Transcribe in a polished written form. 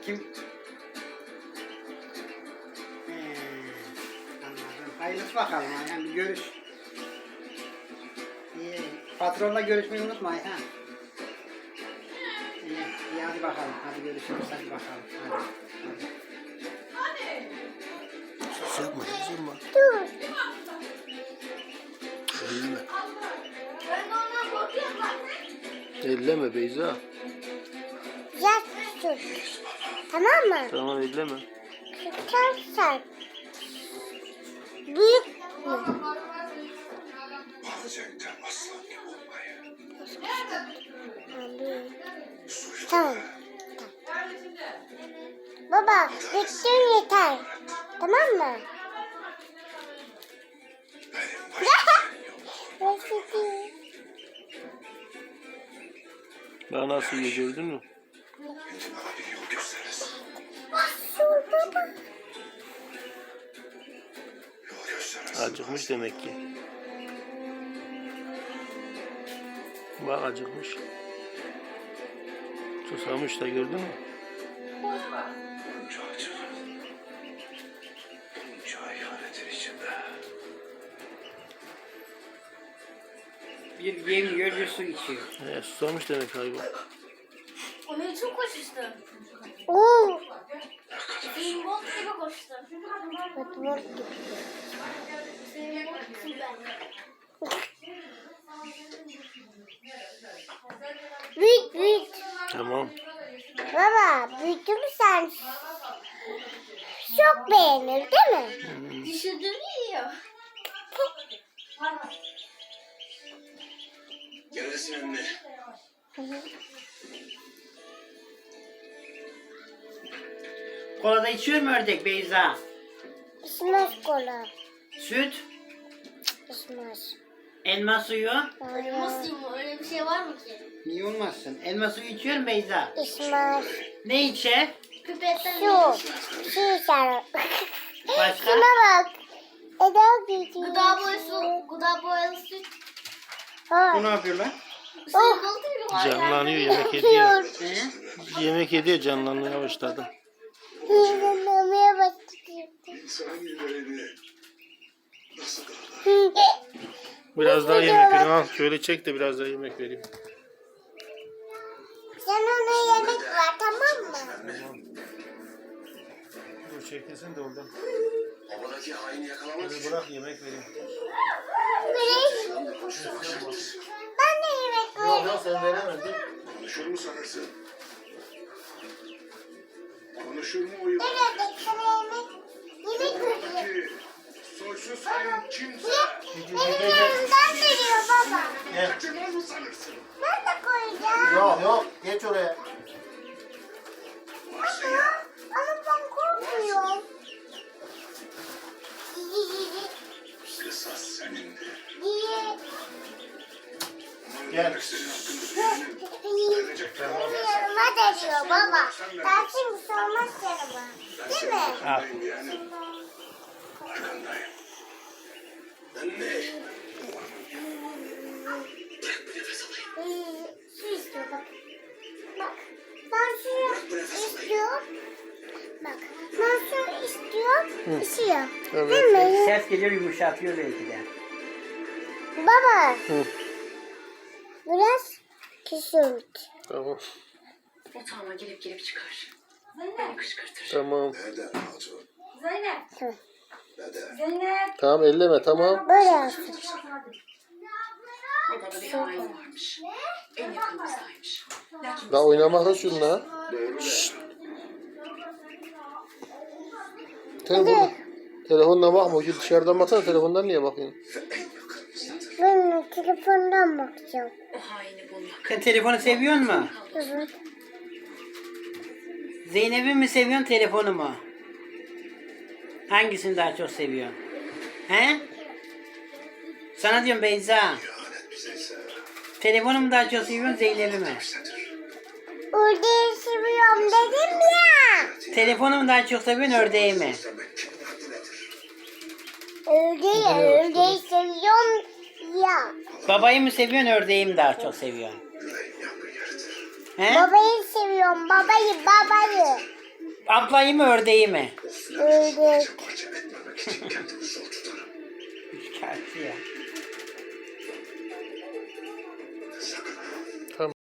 Kim? Anladım. Hayırlısı bakalım. Yani bir görüş. İyi. Patronla görüşmeyi unutma Ayhan. İyi. İyi hadi bakalım. Hadi görüşürüz. Hadi bakalım. Hadi. Sus yapma, üzülme. Dur. Elleme. Elleme Beyza. Yat tut. Tamam mı? Tamam elleme. Tutarsan. Büyük mü? Alacaktım aslan gibi olmayı. Büyük. Tamam. Baba, bittin yeter. Tamam mı? Benim başımın Reçeti. Daha nasıl iyi gördün mü? Şimdi bana bir yol gösterirsin. Su baba. Yol gösterirsin. Acıkmış demek ki. Bak acıkmış. Susamış da gördün mü? Bunca acı. Bunca ihanetin içinde. Bir yemiyor, bir su içiyor. Susamış demek hayvan. Onu çok koşuştu. Oo. Zimbot gibi koştu. Batman gibi. Zimbot gibi. Büyük büyük. Tamam. Baba, büyüdün mü sen? Çok beğenir değil mi? Düşürdüğünü yiyor. Gelirsin anne. Kola da içiyor mu ördek Beyza? İsmez kola. Süt, İsmez. elma suyu. Hayır. Nasıl mı? Öyle bir şey var mı ki? Niye olmazsın? Elma suyu içiyor mu Beyza? İsmez. Ne içer? Pipetten Su. Su içer. Başka? Şuna bak. Eda gidiyor. gıda boyalı süt. Ha. Bu ne yapıyorlar? Zimbot gibi var Canlanıyor, yani. yemek ediyor. He? Yemek ediyor, canlanmaya başladı. Yiyememeye başladı. İnsan yüreğini nasıl kırılır? Biraz daha yemek vereyim. Al şöyle çek de biraz daha yemek vereyim. Sen ona yemek ver tamam mı? Dur çekilsin de oradan. Havadaki haini yakalamak Hadi için bırak yemek vereyim. Vereyim. Ben de yemek vereyim. Yok sen veremedin. konuşur mu sanırsın? Konuşur mu o yılan? Evet, sana yemek vereyim. Havadaki soysuz hain kimse Benim yanımdan veriyor baba. kaçırmaz mı sanırsın? Ben de koyacağım. Yok geç oraya. Varsın ya. Ama ben korkmuyorum. Kısas senindir. Niye? Gel. Senin hakkını verecek Yanıma veriyor baba. Ben şimdi sormaz yanıma. Değil mi? arkandayım yani. Arkandayım. Anne. Bırak bir nefes alayım. Su istiyor bak. Bak. Ben suyu istiyorum. Bak. Ben suyu istiyorum. İstiyor. Evet. Değil mi? Ses geliyor, yumuşatıyor belki de. Baba. Hı. Biraz küçült. Tamam. Yatağıma gelip çıkar. Beni kışkırtır. Tamam. Nereden hatun? Zeynep. Neden? Zeynep. Tamam elleme tamam. Böyle yapsın. Odada bir hain varmış. En yakınımızdaymış. Lakin Daha oynamakla şunla. Doğru de. Telefon, telefonla bakma. Şu dışarıdan baksana, telefondan niye bakıyorsun? Ve en yakınımızdadır. Ben telefondan bakacağım. o haini bulmak. Sen telefonu seviyor mu? Evet. Zeynep'i mi seviyorsun, telefonu mu? Hangisini daha çok seviyorsun? He? Sana diyorum Beyza. İhanet bize ise Telefonu mu daha çok seviyorsun, Zeynep'i mi? bizdedir. Ördeği seviyorum dedim ya. Telefonu mu daha çok seviyorsun, ördeği mi? İstemek kimin hakkı nedir? Ördeği seviyorum ya. Babayı mı seviyorsun, ördeği mi daha çok seviyorsun? Yüreğin yangın yeridir. He? Babayı seviyorum babayı. Ablayı mı ördeği mi? Öyle. Parça etmemek için kendimi zor tutarım. Üçkağıtçı ya.